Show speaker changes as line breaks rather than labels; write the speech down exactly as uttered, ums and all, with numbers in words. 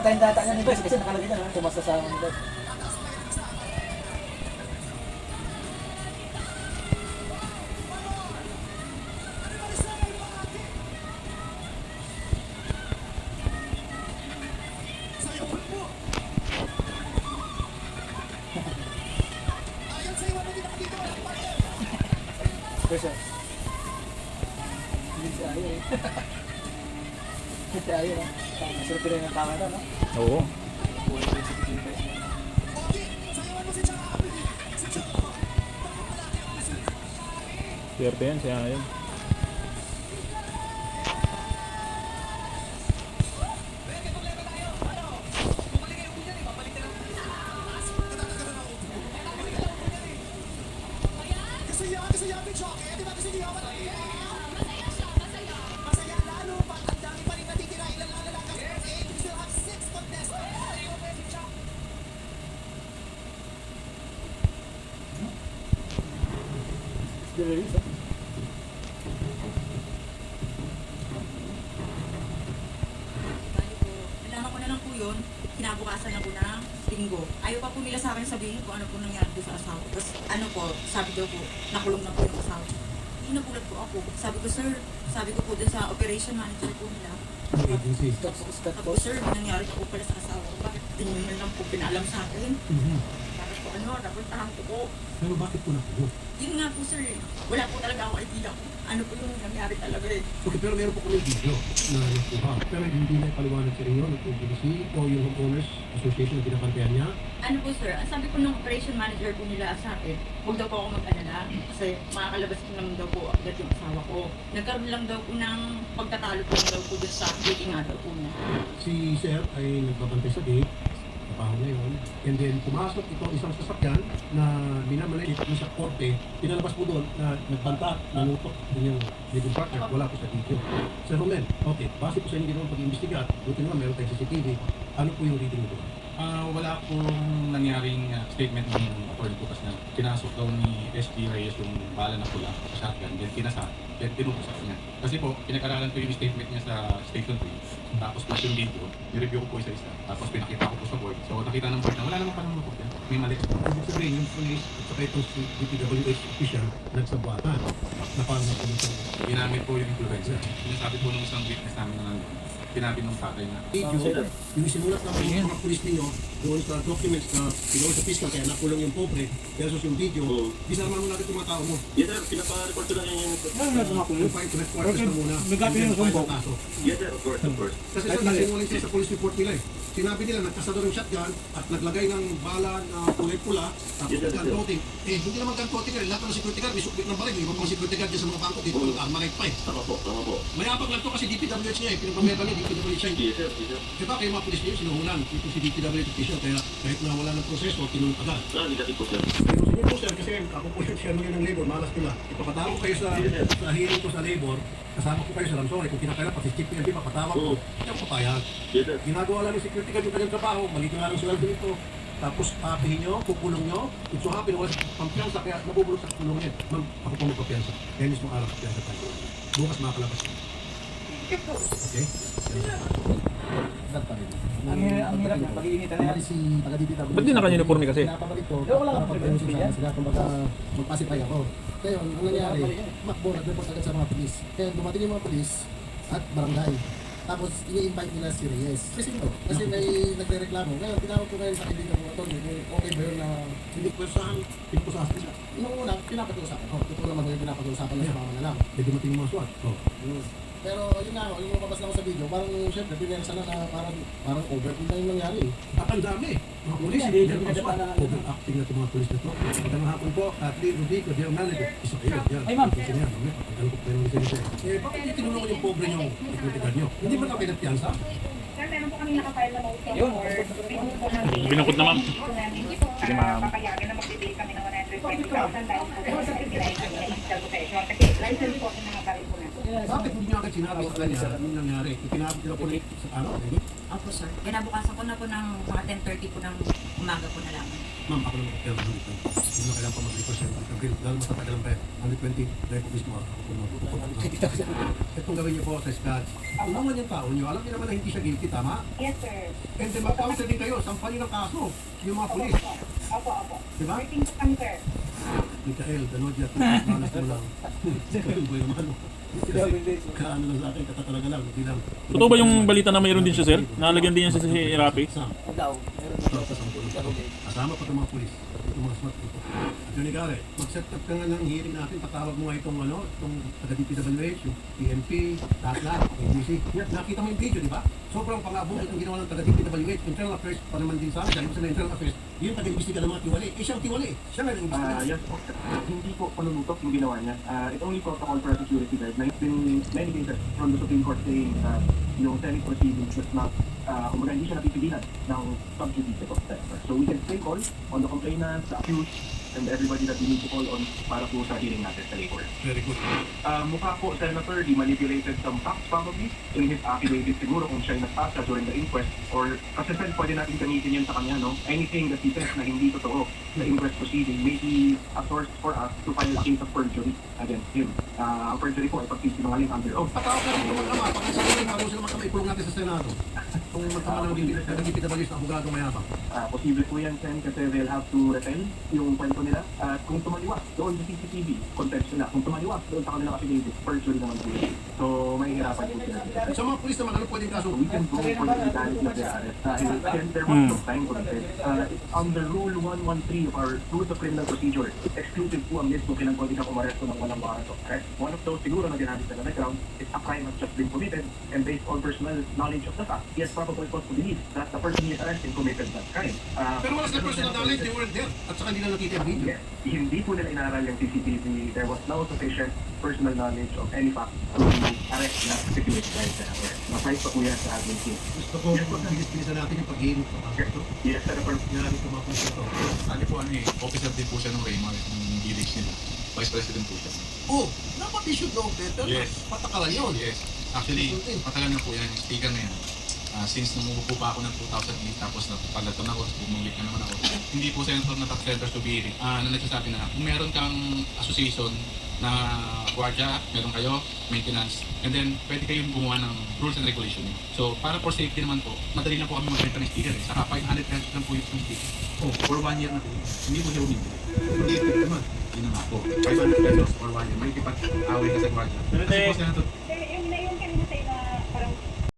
Tayong data niya ni Bes kasi nakalagay na naman tumasa sa amin. Bes, hindi siya ayaw eh. Hindi siya ayaw eh. Masarap rin ang tama na, no?
Oo. Swerte yan, siya yun.
Release, ah.
Nalaman ko na lang po yun, kinabukasan na po ng linggo. Ayaw pa po nila sa akin sabihin kung ano po nangyari doon sa asawa. Tapos ano po, sabi daw po, nakulong na po yung asawa. Hindi nagulat po ako. Sabi ko, sir, sabi ko po dun sa operation manager po nila.
Agency. Stop, stop
Sabi
po.
ko, sir, may nangyari po pala sa asawa ko. Bakit hindi nyo lang po pinaalam sa akin?
Mhm.
Bakit po ano, napuntahan ko po.
Pero bakit po nakulo?
Yun nga po, sir. Wala po talaga ako idea kung ano po yung nangyari talaga eh.
Okay, pero meron po kami video na nakuha. Pero hindi na ipaliwanag sa inyo ng P B C o yung Homeowners Association na binakampihan niya.
Ano po sir, ang sabi po ng operation manager po nila sa akin, huwag daw po ako mag-alala kasi makakalabas ko naman daw po agad yung asawa ko. Nagkaroon lang daw po ng pagtatalo po daw po dun sa dating nga daw po niya.
Si Sir ay nagbabantay sa gate, kapaho na yun. And then pumasok itong isang sasakyan na minamalit mo sa korte. Pinalabas po doon na nagbanta, nanutok din yung living partner. Wala po sa video. Sir Romen, okay, base po sa inyo ginawa pag-imbestiga, buti naman meron tayong C C T V. Ano po yung reading mo doon?
Ah, wala pong nangyaring uh, statement ng attorney ko kasi na kinasok daw ni S G Reyes yung bala na pula sa shotgun, then kinasa, then tinutusak niya. Kasi po, pinag-aralan ko yung statement niya sa Station three, tapos plus yung video, nireview ko po isa-isa, tapos pinakita ko po sa board. So nakita ng board na wala naman pa naman po yan, may mali.
Ibig sabihin, yung police at saka itong si D P W H official nagsabwatan na parang napulisan.
Ginamit po yung influencer. Sinasabi po ng isang witness namin na nandun, sinabi ng tatay na
Video, yung sinulat ng mga mga police ninyo doon sa documents na pinawal sa fiscal kaya nakulong yung pobre versus yung video, disarman mo natin itong mga tao mo.
Yes sir, pinapa-report ko lang yung...
Ano na tumakulo?
Yung fight headquarters na muna.
Nagkapin yung
and then file
sumbong.
ang kaso.
Yes sir, of course, of course.
Kasi sir, nasinungaling sila sa police report nila eh. Sinabi nila, nagkasador yung shotgun at naglagay ng bala na kulay pula tapos
Yes, sir.
gun coating. Eh, hindi naman gun coating eh. Lahat ng security guard, may sukbit ng baril. May iba pang security guard dyan sa mga bangko dito.
Oo.
Ang arma pa eh.
Tama po, tama po.
Mayabang lang to kasi D P W H niya eh. Pinapamera niya, D P W H niya.
Yes sir, yes sir.
Diba kayo mga police niyo, sinuhulan. Ito si D P W H official. Kaya kahit na wala ng proseso, tinulong agad.
Ah, negative po sir.
Pero sige po sir, kasi ako po yung chairman ng labor, malas nila. Ipapatawag kayo sa, sa hearing ko sa labor, kasama ko kayo sa Ramsore. Kung kinakailan, pati chief P N P, papatawag ko.
Oo.
Hindi ako papayag.
Yes sir.
Ginagawa lang ng security guard yung kanyang trabaho, maliit nga lang sila dito. Tapos papihin nyo, kukulong nyo. It's so happy na wala sa pampiyansa, kaya nabubulong sa kulong yan. Ma'am, ako po magpapiyansa. Kaya mismo araw papiyansa tayo. Bukas makakalabas. Okay?
Ang hirap, ang hirap na pag-iinitan na yan.
si taga-D P W.
Ba't di naka-uniforme kasi?
Pinapabalik ko.
Pero wala
para
kang
pag-ayos
privilege
sila.
yan.
Sila kumbaga magpasipay ako. Kaya yun, ang nangyari, makbo, nag-report agad sa mga polis. Kaya dumating yung mga polis at barangay. Tapos ini-invite nila si Reyes. Kasi no, kasi may nagre-reklamo. Ngayon, tinawag ko ngayon sa kaibigan ko ito, okay ba yun na hindi ko saan, pinupusahan sila. Nung una, pinapag-uusapan ko. Totoo naman yung pinapag-uusapan lang sa mga manalang. May dumating yung mga SWAT. Oh. Mm. Pero yun nga, yung mababas lang ko sa video, parang syempre, pinensa na na parang, parang overkill na yung nangyari. At ang dami. Mga polis, hindi na mga SWAT. Overacting na itong mga polis na ito. Magandang hapon po, Kathleen Rubico, dear manager. Isa kayo, yan.
Ay, ma'am.
Isa niya, mamaya, pagkano ko kayo ng lisensya. Eh, bakit hindi tinulungan yung pobre niyong security guard niyo? Hindi ba na pinagpiyansa?
Sir, meron po kami nakafile na motion
Yun.
or pinunod po namin.
Binukod na, ma'am.
Hindi po
Sige,
para
ma'am.
papayagan na magbibigay kami ng one hundred twenty thousand dahil po sa license na initial possession. Kasi license po ang mga baril po natin.
Bakit hindi niyo agad sinabi sa kanya yung nangyari? Itinapit nila po sa ano?
Opo, sir. Kinabukasan ko na po ng mga ten thirty po ng umaga po na lang.
Ma'am, ako naman kaya naman dito. Hindi na kailangan pa mag-request siya. Mag-grill. Dahil mas natagalan pa yan. one hundred twenty, drive po mismo ako po mag-request. Itong gawin niyo po sa Scott. Kung naman yung tao niyo, alam niyo naman na hindi siya guilty, tama?
Yes, sir.
And then mag-counsel din kayo, sampahan niyo ng kaso. Yung mga
Opo,
pulis.
opo. Opo, opo.
Diba?
Working po kami, sir.
Mikael, Danodia, malas mo lang. Mikael, boy naman. Kaano lang sa akin, katatalaga lang, hindi lang.
Totoo ba yung balita na mayroon din siya, sir? Nalagyan din yan siya sa si Rapi?
Sam,
Daw, meron na.
kasama pa itong mga pulis. Itong mga smart people. At yun, Gare, mag-set up ka nga ng hearing natin, patawag mo nga itong ano, itong taga-D P W H, yung P N P, lahat-lahat, A B C. Nakita mo yung video, di ba? Sobrang pang-abong itong ginawa ng taga-D P W H, internal affairs pa naman din sa amin, dahil sa internal affairs, yung taga-imbestiga ng mga tiwali. Eh, siya ang tiwali. Siya nga nag-imbestiga.
Ah, yes po. Hindi po panunutok yung ginawa niya. Ah, it's only protocol for a security guard. Na it's been many cases from the Supreme Court saying na yung Senate proceedings was not, uh, kumbaga hindi siya napipigilan ng subjudice of sector. So we can still call on the complainant, the accused, and everybody that we need to call on para po sa hearing natin sa labor.
Very good.
Uh, mukha po, Senator, he manipulated some facts probably in his affidavit siguro kung siya ay nagpasa during the inquest or kasi sir, pwede natin gamitin yun sa kanya, no? Anything that he says na hindi totoo sa inquest proceeding may be a source for us to file a case of perjury against him. Uh, ang perjury po ay pagsisinungaling under oath.
Patawag ka rin naman naman, pag isa rin, bago sila magkamay, pulong natin sa Senado. Kung magkama ng D P W H na abogado mayabang.
Uh, posible po yan, Sen, kasi they'll have to retell yung kwento nila. At kung tumaliwas doon sa C C T V, context nila. Kung tumaliwas doon sa kanilang affidavit, perjury naman po yun. So, mahihirapan po sila.
At sa mga pulis naman, ano pwedeng kaso?
We can go for the legality of their arrest. Dahil again, there was no time for this. Uh, under Rule one thirteen of our Rules of Criminal Procedure, exclusive po ang list kung kailan pwede ka umaresto ng walang warrant of arrest. One of those siguro na ginamit sa background is a crime has just been committed and based on personal knowledge of the fact, he has probable cause to believe that the person he is arresting committed that crime. Uh,
Pero wala sila personal knowledge, they weren't there. At saka hindi na nakita yung video.
Yes, hindi po nila inaral yung C C T V. There was no sufficient personal knowledge of any fact to arrest the security guard. Ma-fight pa po yan sa admin team.
Gusto ko, bilis-bilisan natin yung pag-iinit pa.
Yes, Senator.
Yan ito mga pulis ito.
Ano po, ano eh, officer din po siya ng Raymar, ng village nila. Vice President po siya.
Oh, dapat you should know better.
Yes.
Patakaran yun.
Yes. Actually, matagal na po yan, yung speaker na yan. Ah, since numupo pa ako ng two thousand eight, tapos napaglaton ako, bumulit na naman ako. Hindi po senator na tax center to be ah, na nagsasabi na kung meron kang association na guardia, meron kayo, maintenance, and then pwede kayong gumawa ng rules and regulation. So, para for safety naman po, madali na po kami magbenta ng speaker eh. Saka five hundred pesos lang po yung speaker. Oh, for one year na po. Hindi po siya umibili.
Hindi ito naman.
Yun na nga po. five hundred pesos for one year. May kipag-away ka sa guardia. Kasi po, senator,
Sir, yung na yung kanina sa inyo,